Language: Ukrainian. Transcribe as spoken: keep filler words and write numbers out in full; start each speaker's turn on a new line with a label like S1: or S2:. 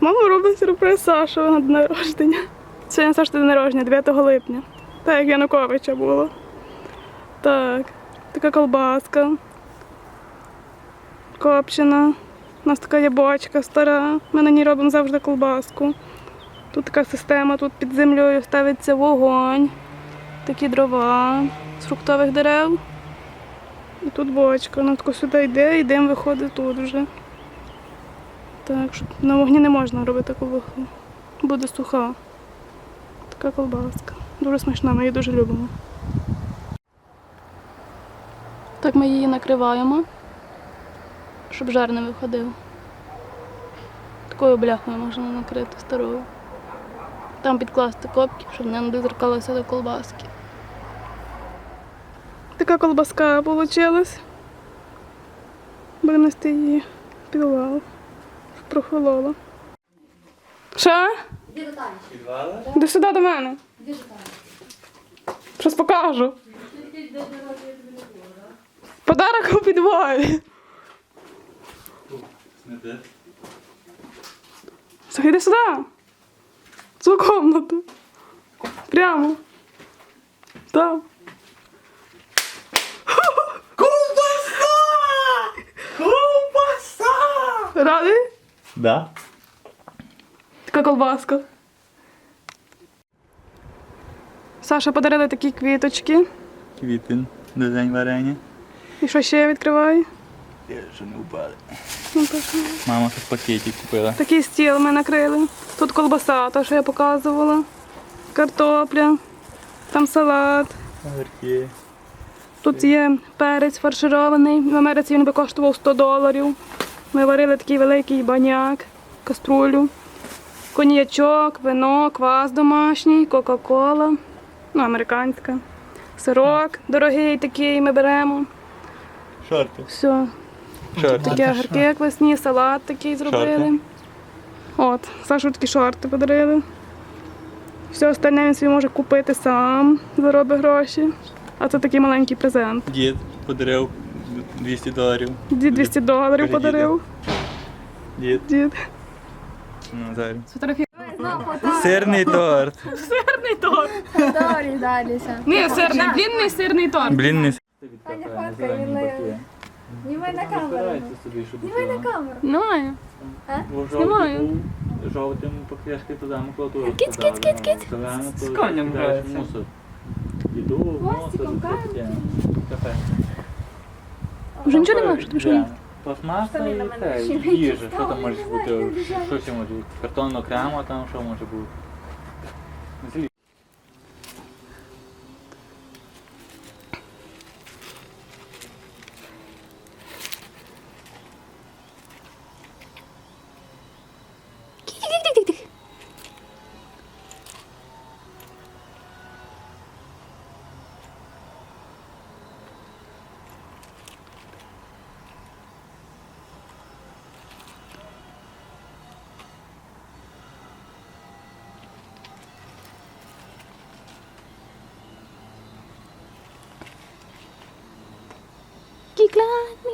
S1: Мама робить сюрприз Саші на день народження. Сьогодні Саші день народження, дев'ятого липня. Так, як Януковича було. Так, така колбаска. Копчена. У нас така є бочка стара. Ми на ній робимо завжди колбаску. Тут така система, тут під землею ставиться вогонь. Такі дрова з фруктових дерев. І тут бочка. Вона тако сюди йде і дим виходить тут вже. Так, що на вогні не можна робити колбасу. Буде суха. Така колбаска. Дуже смачна, ми її дуже любимо. Так ми її накриваємо, щоб жар не виходив. Такою бляхою можна накрити старою. Там підкласти копки, щоб не дозеркалося до колбаски. Така колбаска вийшла. Будемо нести її під лаву, щоб прохолола. Що?
S2: Іди до Тані.
S1: Іди сюди до мене.
S2: Іди до Тані.
S1: Щось покажу. Подарок у підвалі. Слухай, іди сюди. В цю кімнату. Прямо. Там.
S3: Ковбаса! Ковбаса!
S1: Радий?
S3: Да.
S1: Така колбаска. Саша подарили такі квіточки.
S3: Квітин до день варення.
S1: І що ще відкриваю?
S3: Я вже не впали.
S1: Ну, то що?
S3: Мама тут пакетик купила.
S1: Такий стіл ми накрили. Тут колбаса, то, що я показувала. Картопля. Там салат.
S3: Огірки.
S1: Тут є перець фарширований. В Америці він би коштував сто доларів. Ми варили такий великий баняк, каструлю. Коньячок, вино, квас домашній, кока-кола. Ну, американська. Сирок дорогий такий ми беремо.
S3: Шорти.
S1: Все.
S3: Шорти.
S1: Такі огірки як весні, салат такий зробили.
S3: Шорти.
S1: От, Сашу такі шорти подарили. Все остальне він собі може купити сам, заробить гроші. А це такий маленький презент.
S3: Дід подарив двісті доларів.
S1: Дід двісті доларів
S3: Кажи,
S1: подарив.
S3: Дід.
S1: Дід.
S3: Ну, зараз.
S1: Сфотографію.
S3: Сирний торт.
S1: Сирний торт.
S2: Далі, далі.
S1: Ні, сирний, длинний сирний торт.
S3: Блін, не
S2: Таня фоткає, він на... Знімай на камеру. Знімай на камеру.
S1: Немає. Знімаю.
S4: Жовтим покришки туди макулатуру.
S2: Кіць, кіць, кіць, кіць.
S4: З конем грається. Мусор. Іду в мусор,
S2: Пластиком
S4: таке. Кафе.
S1: Вже нічого не можеш, тому що ні.
S4: Пластмаса
S2: Штани
S4: і
S2: на мене
S4: те,
S2: ще
S4: і
S2: не
S4: їжа. Що
S2: дістали,
S4: там може
S2: не
S4: бути?
S2: знаю, не
S4: Що ще може бути? Картон окремо, там що може бути? Злі.
S1: Кіклад